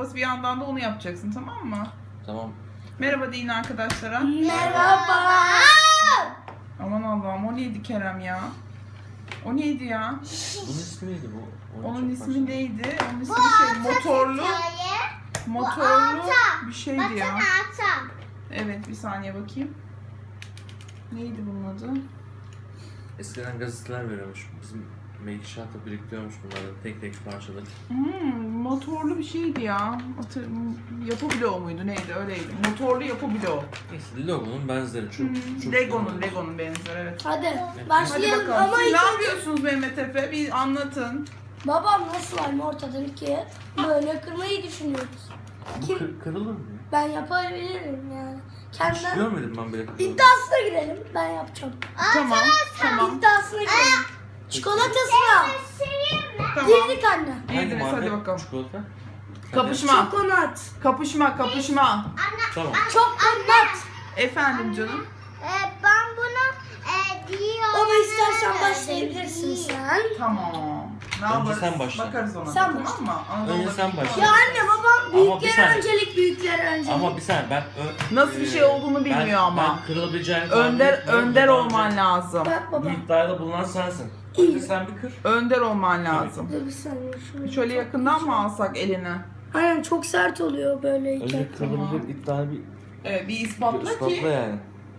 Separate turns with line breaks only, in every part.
bir yandan da onu yapacaksın, tamam mı?
Tamam.
Merhaba deyin arkadaşlara.
Merhaba.
Aman Allah'ım, o neydi Kerem ya? O neydi ya?
Bunun ismi neydi bu?
Onun ismi neydi? Onun ismi
Motorlu.
motorlu bir şeydi
Bakın
ya.
ata.
Evet, bir saniye bakayım. Neydi bunun adı?
Eskiden gazeteler veriyormuş. Bizim Melişah'ta biriktiriyormuş bunları tek tek parçaları.
Motorlu bir şeydi ya. Yapı bloğu muydu neydi, öyleydi. Motorlu yapı bloğu.
Neyse Lego'nun benzeri çok.
Lego'nun benzeri, evet.
Hadi
Hadi
başlayalım
bakalım.
ama
Siz
ilk
ne
önce
yapıyorsunuz Mehmet Efe? Bir anlatın.
babam nasıl slime ortadan ikiye böyle kırmayı düşünüyoruz.
Bu
Kim?
kırılır mı?
Ben yapabilirim yani.
Hiç
Kendimden
görmedim ben böyle kırılır.
iddiasına girelim. Ben yapacağım.
Tamam.
İddiasına girelim. Çikolatasına.
Tamam.
Girdik anne.
Hangi
Girdiniz,
marka
hadi bakalım.
çikolata?
Kapışma.
Çokonat.
Kapışma.
Tamam.
Çokonat.
Efendim canım.
Ben bunu diyorum. Baba istersen başlayabilirsin sen.
Tamam. Ne
Önce
yaparız?
sen başla.
Bakarız ona.
Sen
tamam
başla.
mı?
Önce sen başla.
Ya anne babam
bir
büyüklere
saniye.
öncelik büyüklere öncelik.
Ama bir saniye ben...
Nasıl bir şey olduğunu bilmiyor ama.
Ben kırılabileceğini tahmin
Önder
etmiyorum.
önder
Daha
olman
önce
lazım.
Bak baba.
Bu iddiada bulunan sensin.
İyi.
Önce sen bir kır.
Önder olman lazım.
Dur bir saniye.
Şöyle yakından mı alsak eline?
Aynen çok sert oluyor böyleyken.
Önce kırılabilecek iddiayı bir
Evet, bir ispatla
ispatla
ki.
yani.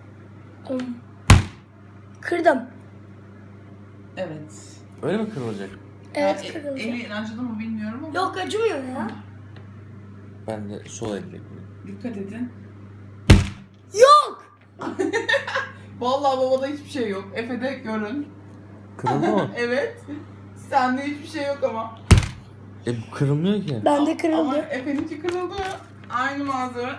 Kırdım.
Evet.
Öyle mi kırılacak?
Evet
Yani
kırıldı.
Elin acıdı mı bilmiyorum ama.
Yok acımıyor ya.
Ben de sol elle kırıyorum.
Dikkat edin.
Yok.
Vallahi babada hiçbir şey yok. Efe'de görün.
Kırıldı mı?
Evet. Sende hiçbir şey yok ama.
Bu kırılmıyor ki.
Bende
Ama
kırıldı.
Efe'ninki kırıldı. Aynı malzeme.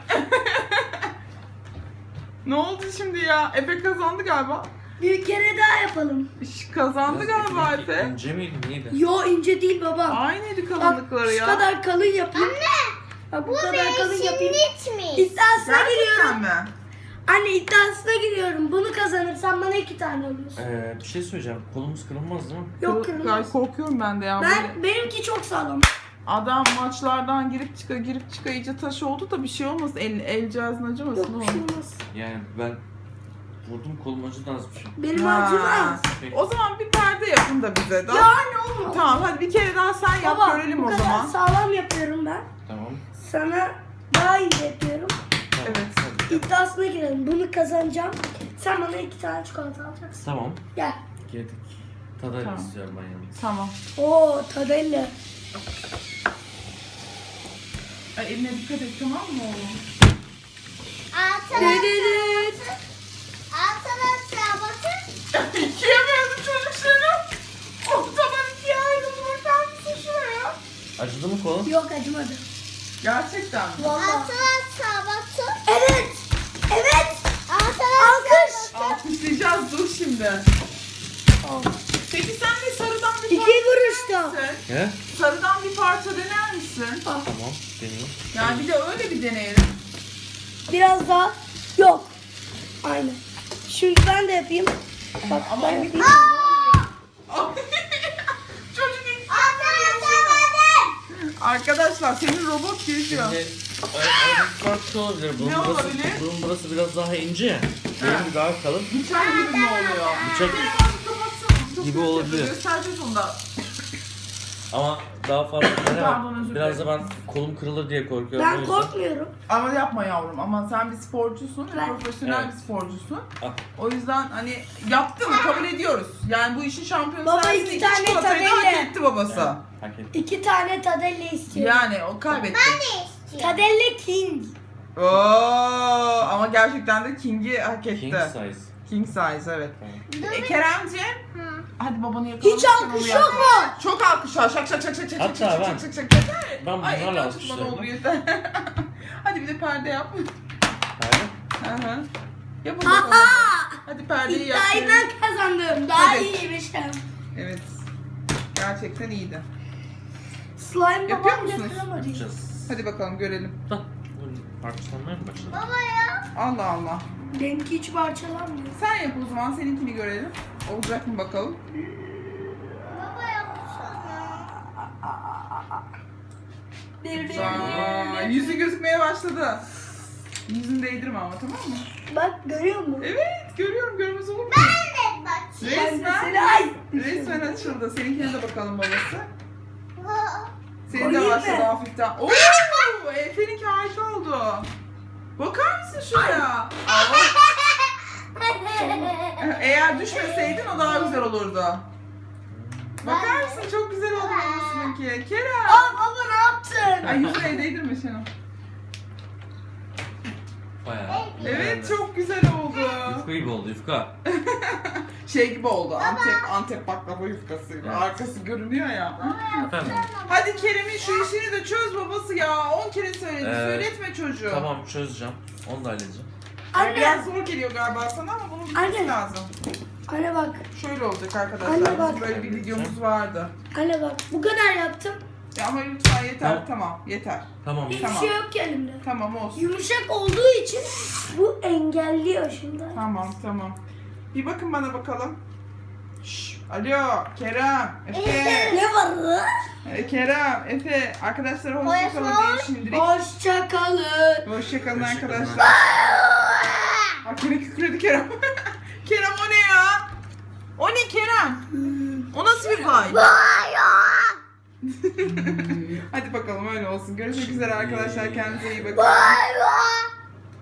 Ne oldu şimdi ya? Efe kazandı galiba.
Bir kere daha yapalım.
Kazandı galiba Efe.
İnce miydi neydi?
Yo ince değil baba.
Aynıydı
Bak
kalınlıkları
şu
ya.
kadar kalın yapayım. Anne. Bak bu kadar kalın yapayım.
mi?
İddiasına giriyorum.
Gerçekten mi?
Anne iddiasına giriyorum. Bunu kazanırsam bana 2 tane alıyorsun.
Bir şey söyleyeceğim. Kolumuz kırılmaz değil mi?
Yok
Gay
kırılmaz.
korkuyorum ben de ya. Böyle
Benimki çok sağlam.
adam maçlardan girip çıka iyice taş oldu da bir şey olmaz. El cihazın acımasın.
Yok bir şey olmaz.
Yani ben vurdum kolum acıdı az bir şey.
Benim
Ha.
acımaz.
O zaman bir perde yapın da bize.
Ya anne olmaz.
Tamam, hadi bir kere daha sen yap,
Baba
görelim
bu
o
kadar
zaman.
sağlam yapıyorum ben.
Tamam.
Sana daha iyi yapıyorum.
Tamam.
Evet.
Hadi.
İddiasına girelim. Bunu kazanacağım. Sen bana 2 tane çikolata alacaksın.
Tamam.
Gel.
Girdik. Tadar
Tamam.
istiyorum ben yalnız.
Tamam.
Oo Tadelle.
Ay, eline dikkat et, tamam mı oğlum?
Evet.
Arkadaşlar bakın.
İkiye böldüm çocuk seni. Ortadan ikiye ayrıldı. Bakar mısın şuraya?
Acıdı mı kolun?
Yok acımadı.
Gerçekten mi?
Vallahi.
Arkadaşlar bakın.
Evet. Evet.
Arkadaşlar bakın.
Alkışlayacağız, dur şimdi. Peki sen de sarıdan bir
İki
parça
vuruşta.
dener misin?
He?
Sarıdan bir parça dener misin?
Tamam. Deneyim.
Yani bir de öyle bir deneyelim.
Biraz daha. Yok. Aynen. Şimdi ben de yapayım. Bak
Ama
ben yapayım.
Çocuk ilk
Arkadaşlar
Arkadaşlar senin robot geziyor.
Şimdi aradaki fark şu olabilir. Bunun
Ne
burası,
olabilir?
bunun burası biraz daha ince ya. Benim daha kalın.
Bıçak gibi mi oluyor?
Bıçak
Kapatsana.
gibi olabilir.
Göstereceğiz onu da.
ama daha fazla
Pardon, özür
biraz da
dilerim.
ben kolum kırılır diye korkuyorum. o
Ben
yüzden.
korkmuyorum.
Ama yapma yavrum, ama sen bir sporcusun,
Ben-
profesyonel
Evet.
bir sporcusun.
Ah.
O yüzden hani yaptın mı kabul ediyoruz. Yani bu işin şampiyonu
Baba,
sensin.
iki
İki
tane
çikolatayı da hak
tabela.
etti babası.
Hak ettim.
2 tane Tadelle istiyorum.
Yani o kaybetti.
Tadelle King.
Oo, ama gerçekten de King'i hak etti.
King size.
King size, evet.
Tamam.
Keremciğim, hadi babanı yakalamak
Hiç
için onu
alkış
yap.
yok mu?
Çok alkış var. Şak şak şak şak şak
Hatta
şak
ben-
şak şak şak şak.
Ben
Ay,
bunlarla
ekran tutma, ne olur
alkışlıyorum.
yeter. Hadi bir de perde yap.
Hayır.
Hı hı. Yapın bakalım. Hadi perdeyi yap.
İddiayı ben kazandım. Daha
Hadi.
iyiymişim.
Evet. Gerçekten iyiydi.
Slime
Yapıyor
babam
musunuz?
getiremedi.
Yapacağız.
Hadi bakalım görelim.
Da. Parçalanmaya mı başladı?
Allah Allah.
Benimki hiç parçalanmıyor.
Sen yap o zaman, seninkini görelim. Olacak mı bakalım?
baba yapsana.
Bir
Güzel. Yüzü gözükmeye başladı. Yüzünü değdirme ama, tamam mı?
Bak görüyor musun?
Evet, görüyorum, görmez olur mu?
Ben de bakayım.
Resmen açıldı. Seninkine de bakalım babası. Senin de
Koyayım
başladı
mı?
hafiften. Oo, Efe'ninki harika oldu. Bakar mısın şuraya? Allah. Eğer düşmeseydin o daha güzel olurdu. Bakar mısın? Çok güzel oldu babasınınki. Kerem.
Aa baba ne yaptın?
Ay yüzüne değdirme şunu.
Bayağı.
Evet, çok güzel oldu.
Yufka gibi oldu yufka.
Şey gibi oldu. Antep baklava yufkasıyla.
Evet.
Arkası görünüyor ya.
Efendim?
Hadi Kerem'in şu işini de çöz babası ya. 10 kere söyledi. Söyletme çocuğu.
Tamam çözeceğim. Onu da halledeceğim.
Ay,
Anne.
biraz zor geliyor galiba sana ama bunun bitmesi
Anne.
lazım.
Anne bak.
Şöyle olacak arkadaşlar.
Anne bak.
Bizim böyle bir videomuz vardı.
Anne bak. Bu kadar yaptım.
Ya ama lütfen yeter.
Tamam.
Tamam, yeter.
Tamam.
Hiçbir
Tamam.
şey yok ki elimde.
Tamam olsun.
Yumuşak olduğu için bu engelliyor şimdi.
Tamam. Bir bakın bana bakalım. Şşş, alo Kerem, Efe.
Ne var lan?
Kerem, Efe. Arkadaşlara hoşçakalın diye şimdilik.
Hoşçakalın.
Hoşçakalın
Hoşçakalın.
arkadaşlar. Bak yine kükredi Kerem. Kerem o ne ya? O ne Kerem? O nasıl bir vibe? Hadi bakalım öyle olsun. Görüşmek üzere arkadaşlar. Kendinize iyi bakın.
Bye bye.